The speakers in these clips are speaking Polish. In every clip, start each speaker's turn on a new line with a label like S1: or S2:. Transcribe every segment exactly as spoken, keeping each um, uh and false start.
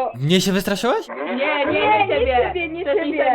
S1: Mnie się wystraszyłaś?
S2: Nie, nie, nie, nie ciebie, nie ciebie.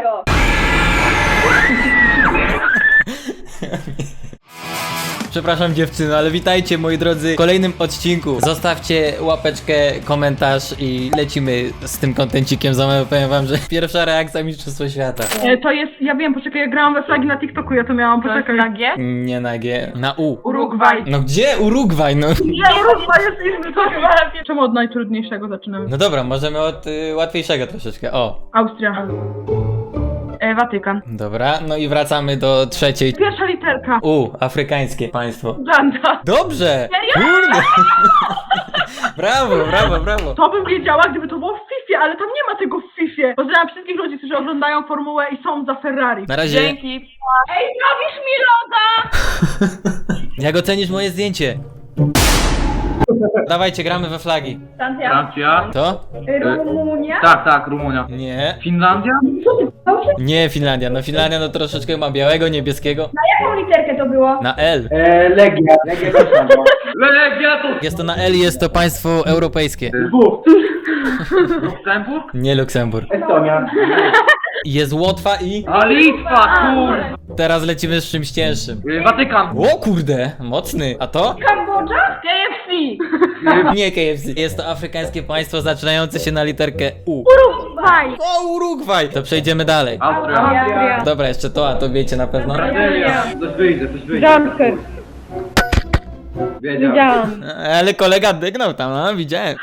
S1: Przepraszam dziewczyny, ale witajcie moi drodzy w kolejnym odcinku. Zostawcie łapeczkę, komentarz i lecimy z tym kontencikiem. Za moment powiem wam, że pierwsza reakcja Mistrzostwo Świata.
S3: E, to jest, ja wiem, poczekaj, ja grałam we flagi na TikToku, ja to miałam, poczekaj. Na G?
S1: Nie na G, na U.
S3: Urugwaj.
S1: No gdzie Urugwaj? No.
S3: Nie, Urugwaj jest inny, to chyba lepiej. Czemu od najtrudniejszego zaczynamy?
S1: No dobra, możemy od y, łatwiejszego troszeczkę. O.
S3: Austria. E, Watykan.
S1: Dobra, no i wracamy do trzeciej.
S3: Pierwsza literka.
S1: U, afrykańskie państwo.
S3: Uganda.
S1: Dobrze! Kurde! Brawo, brawo, brawo.
S3: To bym wiedziała, gdyby to było w Fifie, ale tam nie ma tego w Fifie. Pozdrawiam wszystkich ludzi, którzy oglądają formułę i są za Ferrari.
S1: Na razie.
S3: Dzięki. Ej, robisz mi loda!
S1: Jak ocenisz moje zdjęcie? Dawajcie, gramy we flagi.
S4: Francja.
S1: To?
S2: Rumunia?
S4: Tak, tak, Rumunia.
S1: Nie.
S4: Finlandia?
S1: Nie Finlandia. No Finlandia no troszeczkę ma białego, niebieskiego.
S2: Na jaką literkę to było?
S1: Na L.
S4: E, Legia. Legia też ma. Legia to...
S1: Jest to na L i jest to państwo europejskie.
S4: Lwów. Luksemburg?
S1: Nie Luksemburg.
S4: Estonia.
S1: Jest Łotwa i...
S4: A Litwa, kur...
S1: Teraz lecimy z czymś cięższym.
S4: E, Watykan.
S1: O kurde, mocny. A to?
S2: Kambodża?
S3: K F C.
S1: Nie K F C. Jest to afrykańskie państwo zaczynające się na literkę U.
S3: Urugwaj.
S1: O, Urugwaj! To przejdziemy dalej.
S4: Austria.
S2: Austria.
S1: Dobra, jeszcze to, a to wiecie na pewno.
S4: Brazylia. Coś wyjdzie, coś wyjdzie.
S2: Dunker.
S4: Wiedział.
S2: Widziałam.
S1: Ale kolega dygnął tam, no widziałem.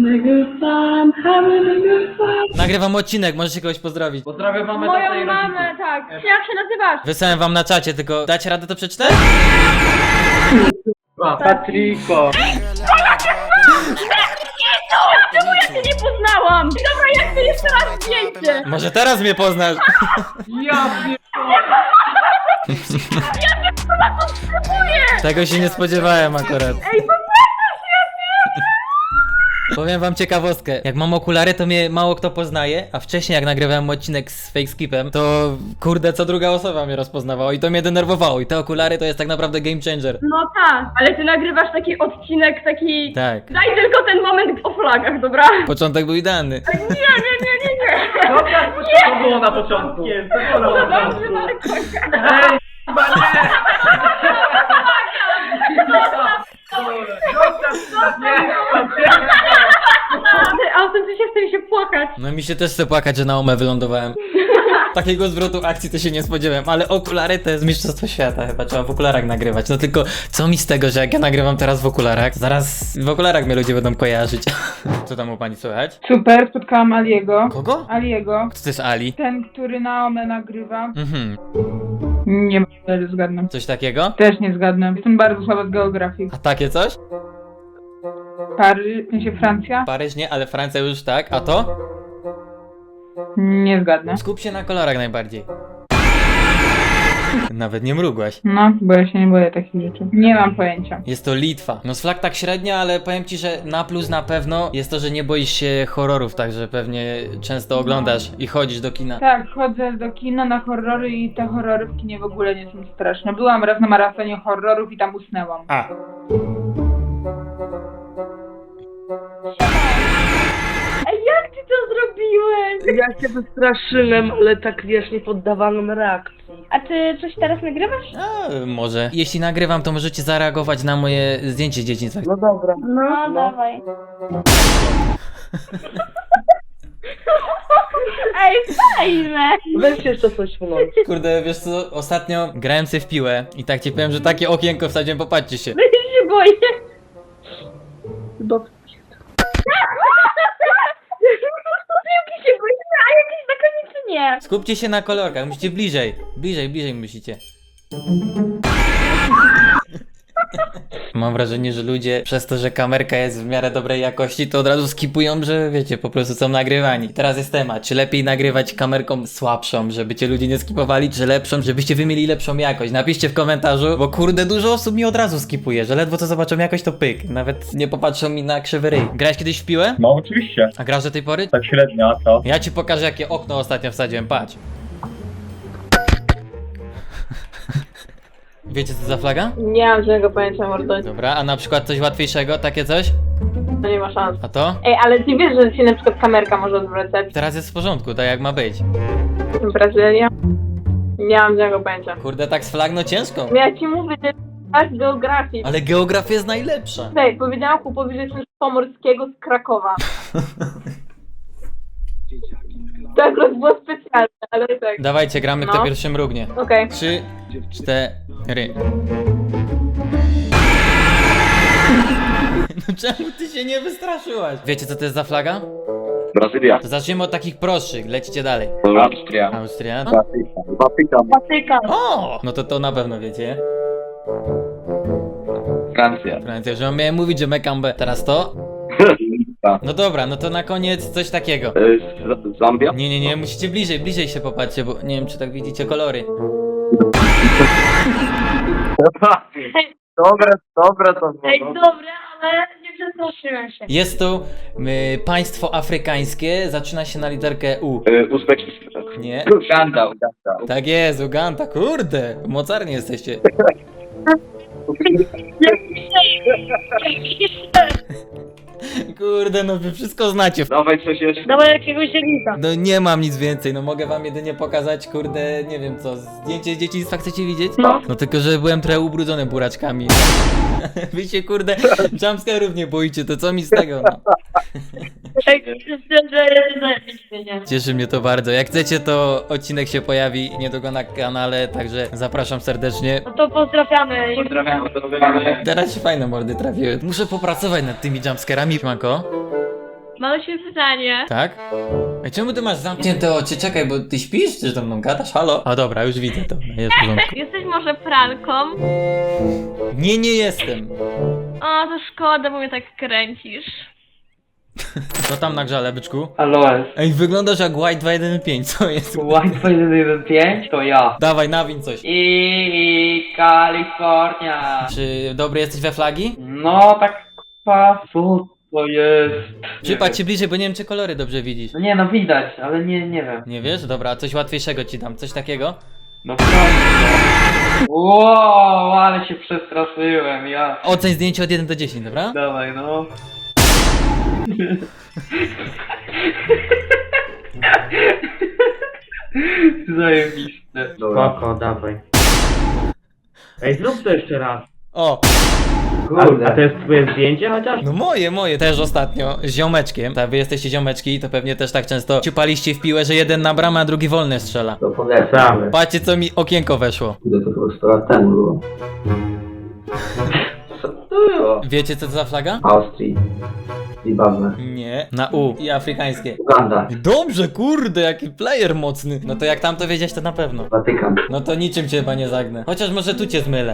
S1: Nagrywam odcinek, możecie kogoś pozdrowić.
S4: Pozdrawiam mamę, tatę i
S2: Moją
S4: rodziców.
S2: mamę, tak. Jak się nazywasz?
S1: Wysłałem wam na czacie, tylko dacie radę to przeczytać?
S4: A, Patriko.
S2: Czemu ja cię nie poznałam? Dobra, jak ty jeszcze raz zdjęcie?
S1: Może teraz mnie poznasz.
S4: Ja pier...
S1: Tego się nie spodziewałem akurat.
S2: Ej, bo
S1: Powiem wam ciekawostkę. Jak mam okulary, to mnie mało kto poznaje, a wcześniej jak nagrywałem odcinek z Fake Skipem, to kurde, co druga osoba mnie rozpoznawała i to mnie denerwowało. I te okulary to jest tak naprawdę game changer.
S2: no tak, ale ty nagrywasz taki odcinek, taki...
S1: Tak.
S2: Daj tylko ten moment o flagach, dobra?
S1: Początek był idealny.
S2: Nie, nie, nie, nie, nie.
S4: Dobra, to było na początku. To było
S2: No
S4: na
S2: dobrze,
S4: początku.
S2: Marko.
S4: Ej, chyba nie.
S2: Ty, autentycznie chce mi się płakać.
S1: No mi się też chce płakać, że na omę wylądowałem. Takiego zwrotu akcji to się nie spodziewałem, ale okulary to jest mistrzostwo świata, chyba trzeba w okularach nagrywać. No tylko co mi z tego, że jak ja nagrywam teraz w okularach, zaraz w okularach mnie ludzie będą kojarzyć. Co tam u pani słychać?
S3: Super, spotkałam Aliego.
S1: Kogo?
S3: Aliego.
S1: Kto to jest Ali?
S3: Ten, który na Ome nagrywa.
S1: Mhm,
S3: Nie będę zgadnę.
S1: coś takiego?
S3: Też nie zgadnę. Jestem bardzo słaba z geografii.
S1: A takie coś?
S3: Paryż, w sensie Francja?
S1: Paryż nie, ale Francja już tak, a to?
S3: Nie zgadnę.
S1: Skup się na kolorach najbardziej. Nawet nie mrugłaś.
S3: No, bo ja się nie boję takich rzeczy. Nie mam pojęcia.
S1: Jest to Litwa. No z flag tak średnio, ale powiem ci, że na plus na pewno jest to, że nie boisz się horrorów, także pewnie często oglądasz i chodzisz do kina.
S3: Tak, chodzę do kina na horrory i te horrory w kinie w ogóle nie są straszne. Byłam raz na maratonie horrorów i tam usnęłam.
S1: A.
S2: Ej, jak ty to zrobiłeś?
S5: Ja się wystraszyłem, ale tak wiesz, nie poddawałem reakcji.
S2: A ty coś teraz nagrywasz?
S1: A, może. Jeśli nagrywam, to możecie zareagować na moje zdjęcie z dzieciństwa.
S5: No dobra.
S2: No, no. dawaj. Ej, fajne!
S5: Weź jeszcze coś włącz.
S1: Kurde, wiesz co, ostatnio grałem sobie w piłę i tak ci powiem, że takie okienko wsadziłem, popatrzcie się.
S2: Ja się boję.
S5: Chyba
S2: Piłki się boję, a jakieś zakonnicy nie.
S1: Skupcie się na kolorkach, musicie bliżej. Bliżej, bliżej musicie. Mam wrażenie, że ludzie przez to, że kamerka jest w miarę dobrej jakości, to od razu skipują, że wiecie, po prostu są nagrywani. Teraz jest temat, czy lepiej nagrywać kamerką słabszą, żeby cię ludzie nie skipowali, czy lepszą, żebyście wy mieli lepszą jakość. Napiszcie w komentarzu, bo kurde, dużo osób mi od razu skipuje, że ledwo co zobaczą jakość, to pyk. Nawet nie popatrzą mi na krzywy ryj. Grałeś kiedyś w piłę?
S6: No oczywiście,
S1: A grasz do tej pory?
S6: tak średnio, a co?
S1: Ja ci pokażę, jakie okno ostatnio wsadziłem, patrz. Wiecie co za flaga?
S2: Nie mam żadnego pojęcia, mordo.
S1: Dobra, a na przykład coś łatwiejszego, takie coś?
S2: To nie ma szans.
S1: A to?
S2: Ej, ale ty wiesz, że się na przykład kamerka może odwracać.
S1: Teraz jest w porządku, tak jak ma być.
S2: Brazylia? Nie mam żadnego pojęcia.
S1: Kurde, tak z flagno ciężko.
S2: Ja ci mówię, że tak geografii.
S1: Ale geografia jest najlepsza.
S2: Tutaj, powiedziałam chłopowi, że jestem z Pomorskiego, z Krakowa. To akurat było specjalne, ale tak.
S1: Dawajcie, gramy kto
S2: No.
S1: pierwszy mrugnie.
S2: Okej.
S1: Trzy, cztery. No czemu ty się nie wystraszyłaś? Wiecie co to jest za flaga?
S6: Brazylia.
S1: To zacznijmy od takich prostszych, lecicie dalej.
S6: Austria.
S1: Austria.
S6: Watykan.
S2: Watykan.
S1: O! No to to na pewno wiecie.
S6: Francja.
S1: Francja, że miałem mówić, że Mekambe. Teraz to? No dobra, no to na koniec coś takiego.
S6: E, Z- Zambia.
S1: Nie, nie, nie, musicie bliżej, bliżej się popatrzcie, bo nie wiem czy tak widzicie kolory.
S6: Dobre, dobre to było.
S2: Ej, dobre, ale nie przestraszyłem się.
S1: Jest to y, państwo afrykańskie, zaczyna się na literkę U.
S6: E, Uzbekistan.
S1: Nie?
S6: Uganda, Uganda.
S1: Tak jest, Uganda, kurde, mocarni jesteście. Kurde, no wy wszystko znacie.
S6: Dawaj coś jeszcze.
S2: Dawaj jakiegoś zielnika.
S1: No nie mam nic więcej, no mogę wam jedynie pokazać, kurde, nie wiem co, zdjęcie z dzieciństwa chcecie widzieć?
S2: No.
S1: No tylko, że byłem trochę ubrudzony buraczkami. Wy się kurde jumpscare'ów nie boicie, to co mi z tego, no.
S2: Ej, szczerze, nie.
S1: Cieszy mnie to bardzo, jak chcecie to odcinek się pojawi niedługo na kanale, także zapraszam serdecznie.
S2: No to pozdrawiamy.
S6: Pozdrawiam, pozdrawiamy.
S1: Teraz się fajne mordy trafiły. Muszę popracować nad tymi jumpscarami, Manko.
S2: Mam się pytanie.
S1: Tak? Ej, czemu ty masz zamknięte oczy? Czekaj, bo ty śpisz? Czy ze mną gadasz? Halo? A dobra, już widzę to, jest w porządku.
S2: Jesteś może pralką?
S1: Nie, nie jestem.
S2: O, to szkoda, bo mnie tak kręcisz.
S1: Co tam na grzale, byczku?
S4: Aloes.
S1: Ej, wyglądasz jak White dwa jeden pięć, co jest?
S4: Wi-Fi jeden pięć to ja.
S1: Dawaj, nawin coś.
S4: I Kalifornia.
S1: Czy dobry jesteś we flagi?
S4: No tak kwa, co to jest?
S1: Przypatrz się bliżej, bo nie wiem, czy kolory dobrze widzisz.
S4: No nie no widać, ale nie, nie wiem.
S1: Nie wiesz? Dobra, coś łatwiejszego ci dam, coś takiego?
S4: No proszę. Wow, ale się przestraszyłem, ja.
S1: Oceń zdjęcie od jeden do dziesięciu, dobra?
S4: Dawaj no. Zajebiste.
S7: Spoko, dawaj. Ej, zrób to jeszcze raz.
S1: O!
S7: A, a to jest twoje zdjęcie chociaż?
S1: No moje, moje. Też ostatnio z ziomeczkiem. Tak, wy jesteście ziomeczki, to pewnie też tak często ciupaliście w piłę, że jeden na bramę, a drugi wolny strzela.
S7: To polecamy.
S1: Patrzcie, co mi okienko weszło.
S7: Ile to było sto lat temu było?
S4: Co to było?
S1: Wiecie, co to za flaga?
S7: Austrii. Zimbabwe.
S1: Nie. Na U. I afrykańskie.
S7: Uganda.
S1: Dobrze, kurde, jaki player mocny. No to jak tam to wiedzieć, to na pewno.
S7: Watykan.
S1: No to niczym cię chyba nie zagnę. Chociaż może tu cię zmylę.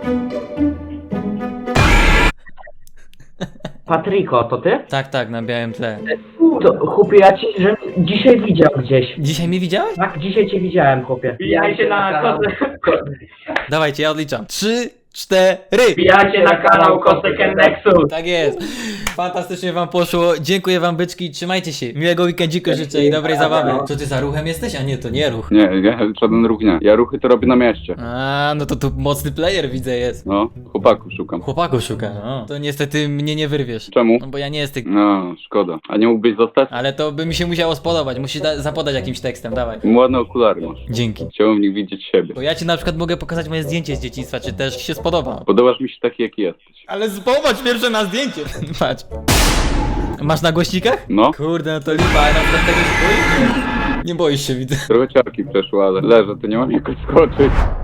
S7: Patryko, to ty?
S1: Tak, tak, na białym tle.
S7: To chłopie, ja ci że dzisiaj widział gdzieś.
S1: Dzisiaj mnie widziałeś?
S7: Tak, dzisiaj cię widziałem, chłopie.
S4: Wbijajcie na kosę.
S1: Dawajcie, ja odliczam. Trzy, cztery.
S4: Wbijajcie na kanał Kostek Nexus.
S1: Tak jest. Fantastycznie wam poszło. Dziękuję wam, byczki. Trzymajcie się. Miłego weekendziku życzę i dobrej zabawy. Co ty za ruchem jesteś? A nie, to nie ruch.
S6: Nie, ja żaden ruch nie. Ja ruchy to robię na mieście.
S1: A, no to tu mocny player widzę jest.
S6: No, chłopaku szukam.
S1: Chłopaku szuka, no. To niestety mnie nie wyrwiesz.
S6: Czemu?
S1: No bo ja nie jestem.
S6: No, szkoda. A nie mógłbyś zostać?
S1: Ale to by mi się musiało spodobać. Musisz da- zapodać jakimś tekstem, dawaj.
S6: Ładne okulary masz.
S1: Dzięki.
S6: Chciałbym w nich widzieć siebie.
S1: Bo ja ci na przykład mogę pokazać moje zdjęcie z dzieciństwa, czy też się spodoba.
S6: Podobasz mi się taki, jaki jesteś.
S1: Ale popatrz pierwsze na zdjęcie. Patrz. Masz na głośnikach?
S6: No,
S1: Kurde, no to lipa, ale na przykład tego się boisz? Nie boisz się, widzę.
S6: trochę ciarki przeszło, ale leżę, to nie mam jak odskoczyć.